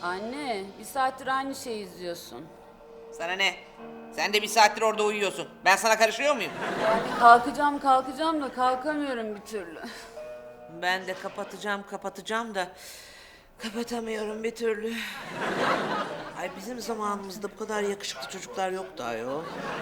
Anne, bir saattir aynı şeyi izliyorsun. Sana ne? Sen de bir saattir orada uyuyorsun. Ben sana karışıyor muyum? Kalkacağım da kalkamıyorum bir türlü. Ben de kapatacağım da kapatamıyorum bir türlü. Ay bizim zamanımızda bu kadar yakışıklı çocuklar yoktu ayol.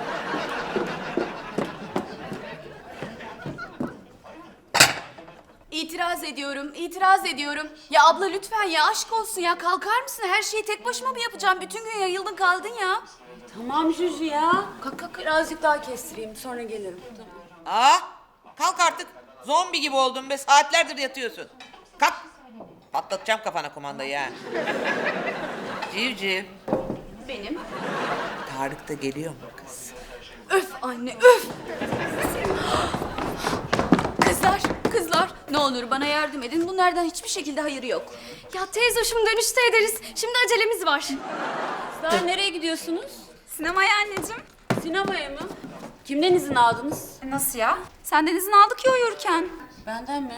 İtiraz ediyorum. Ya abla lütfen ya aşk olsun ya kalkar mısın? Her şeyi tek başıma mı yapacağım? Bütün gün yayıldın kaldın ya. Tamam Juju ya. Kalk birazcık daha kestireyim sonra gelirim. Tamam. Aa, kalk artık. Zombi gibi oldun be. Saatlerdir yatıyorsun. Kalk. Patlatacağım kafana kumandayı ha. Civciv. Benim. Tarık da geliyor mu kız? Öf anne öf. Kızlar ne olur bana yardım edin. Bunlardan hiçbir şekilde hayırı yok. Ya teyze hoşum dönüşte ederiz. Şimdi acelemiz var. Kızlar nereye gidiyorsunuz? Sinemaya anneciğim. Sinemaya mı? Kimden izin aldınız? Nasıl ya? Senden izin aldık ya uyurken. Benden mi?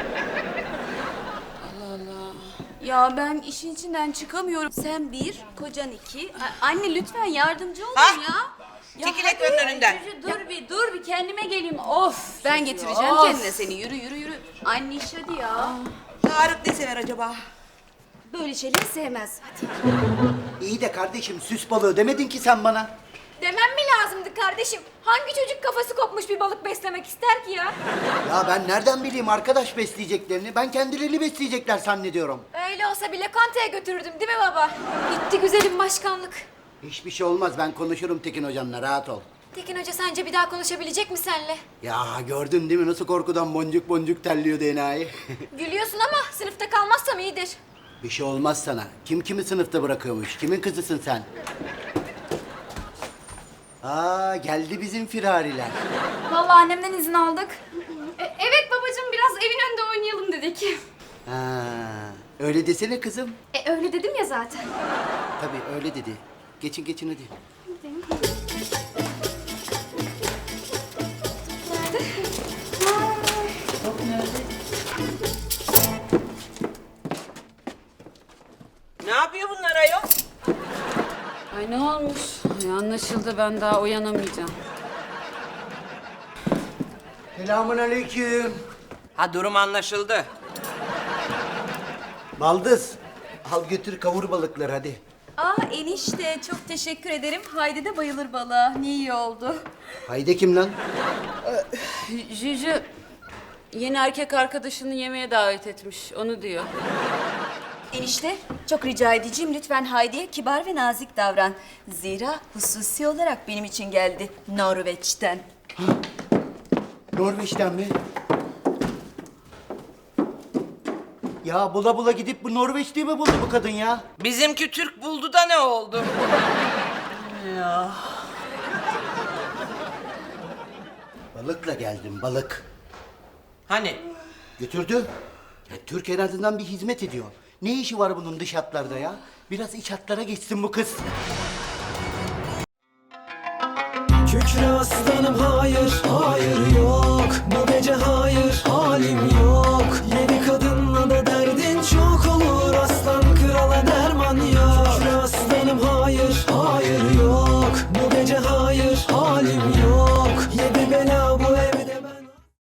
Ya ben işin içinden çıkamıyorum. Sen bir, kocan iki. Anne lütfen yardımcı olun Ha? ya. Ya Çekil hadi. ekranın önünden. Juju dur bir kendime geleyim. Of. Ben getireceğim Of. kendine seni. Yürü. Anne iş hadi ya. Tarık ne sever acaba? Böyle şeyleri sevmez. Hadi. İyi de kardeşim süs balığı demedin ki sen bana. Demem mi lazımdı kardeşim? Hangi çocuk kafası kopmuş bir balık beslemek ister ki ya? Ya ben nereden bileyim arkadaş besleyeceklerini? Ben kendilerini besleyecekler zannediyorum. Öyle olsa bile kantaya götürürdüm değil mi baba? Gitti güzelim başkanlık. Hiçbir şey olmaz, ben konuşurum Tekin hocamla, rahat ol. Tekin Hoca sence bir daha konuşabilecek mi senle? Ya gördün değil mi nasıl korkudan boncuk boncuk terliyor enayi? Gülüyorsun ama sınıfta kalmazsam iyidir. Bir şey olmaz sana. Kim kimi sınıfta bırakıyormuş? Kimin kızısın sen? Aa, geldi bizim firariler. Vallahi annemden izin aldık. Evet babacığım biraz evin önünde oynayalım dedik. Ha, öyle desene kızım. Öyle dedim ya zaten. Tabii öyle dedi. Geçin hadi. Ne yapıyor bunlar ayol? Ay ne olmuş? Ay, anlaşıldı ben daha uyanamayacağım. Selamun aleyküm. Ha durum anlaşıldı. Baldız, al götür kavur balıkları hadi. Enişte çok teşekkür ederim. Haydi de bayılır balığa. Ne iyi oldu. Haydi kim lan? Juju yeni erkek arkadaşını yemeğe davet etmiş. Onu diyor. Enişte çok rica edeceğim lütfen Haydi'ye kibar ve nazik davran. Zira hususi olarak benim için geldi Norveç'ten. Norveç'ten mi? Ya bula bula gidip bu Norveç diye mi buldu bu kadın ya? Bizimki Türk buldu da ne oldu? Balıkla geldim, balık. Hani? Götürdü. Ya Türk en azından bir hizmet ediyor. Ne işi var bunun dış hatlarda ya? Biraz iç hatlara geçsin bu kız. Kükre aslanım hayır, hayır yok. Bu gece hayır, halim yok.